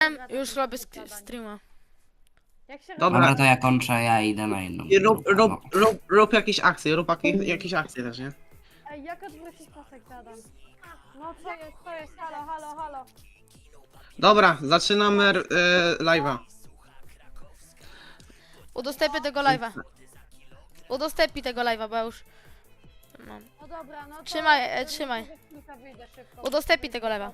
Już robię streama. Jak się Dobra, Dobra, to ja kończę, ja idę na inną. I rób, grupę, rób, no. rób jakieś akcje, rób jakieś akcje też, nie? Ej, jak odwrócić pasek, zadam? No co jest, halo, halo, halo. Dobra, zaczynamy live'a. Udostępnię tego live'a. Udostępnij tego live'a, bo ja już mam. No dobra, no to... Trzymaj, trzymaj. Wyjdę szybko. Udostępnij tego live'a.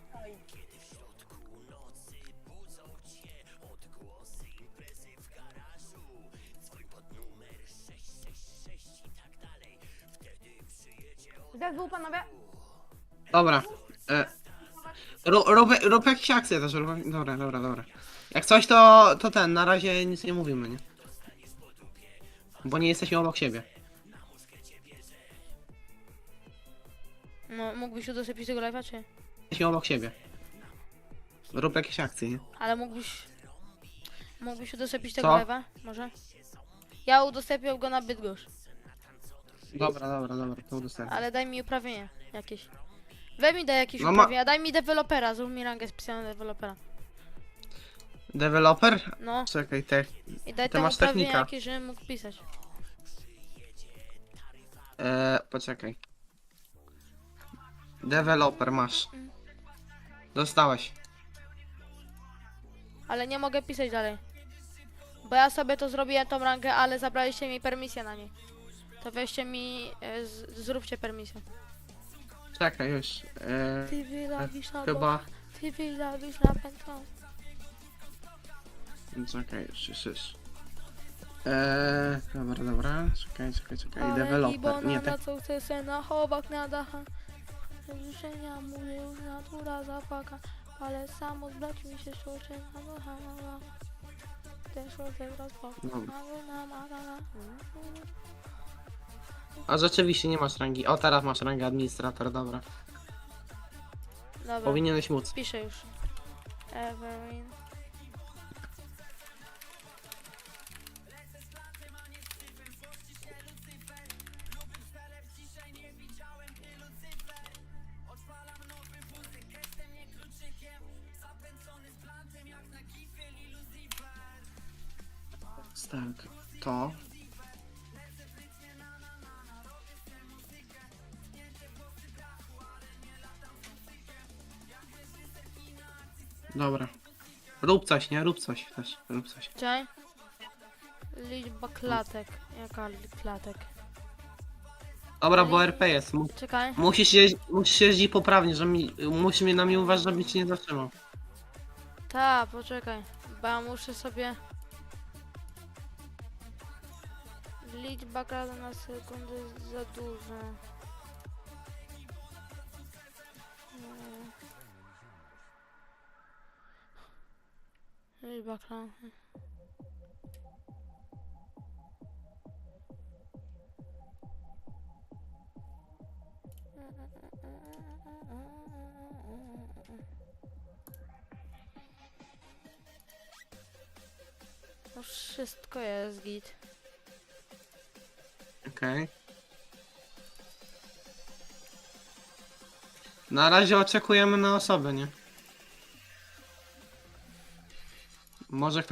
Zespół, panowie. Dobra. Rób jakieś akcje też, dobra. Jak coś to ten, na razie nic nie mówimy, nie? Bo nie jesteśmy obok siebie. No, mógłbyś udostępnić tego live'a, czy? Jesteśmy obok siebie. Rób jakieś akcje, nie? Ale mógłbyś udostępnić Co? tego live'a? Może? Ja udostępniam go na Bydgoszcz. Dobra, to udostępnię. Ale daj mi uprawnienia jakieś. Weź mi daj jakieś No uprawnienia, daj mi dewelopera, zrób mi rangę specjalną dewelopera. Developer? No, Czekaj, i daj ty tam masz uprawnienia technika. jakieś, żebym mógł pisać. Poczekaj. Developer masz. Dostałeś. Ale nie mogę pisać dalej. Bo ja sobie to zrobiłem tą rangę, ale zabraliście mi permisję na niej. To weźcie mi, zróbcie permisję. Czekaj już. Ty wylawisz na Chyba. Ty wylawisz na pętlą. Czekaj, już. Dobra. Czekaj. Developer. Nie, na co chce se na chowak na dacha. Życzenia mówię już natura zapaka. Ale samo zbrać mi się szczoczy na ducha. Ten człowiek rozpaka. Dobra. A rzeczywiście nie masz rangi. O, teraz masz rangę administrator, dobra. Dobra, Powinieneś móc. piszę już. Everin. Tak, to. Dobra. Rób coś, nie? Rób coś też. Rób coś. Czekaj. Liczba klatek. Jaka klatek? Dobra, bo RP jest. Czekaj. Musisz jeździć poprawnie, musisz mnie na mnie uważać, żeby cię nie zatrzymał. Ta, poczekaj. Bo ja muszę sobie... Liczba klatek na sekundę jest za duża. Liczba klatek. No wszystko jest git. Okej. Na razie oczekujemy na osobę, nie? Może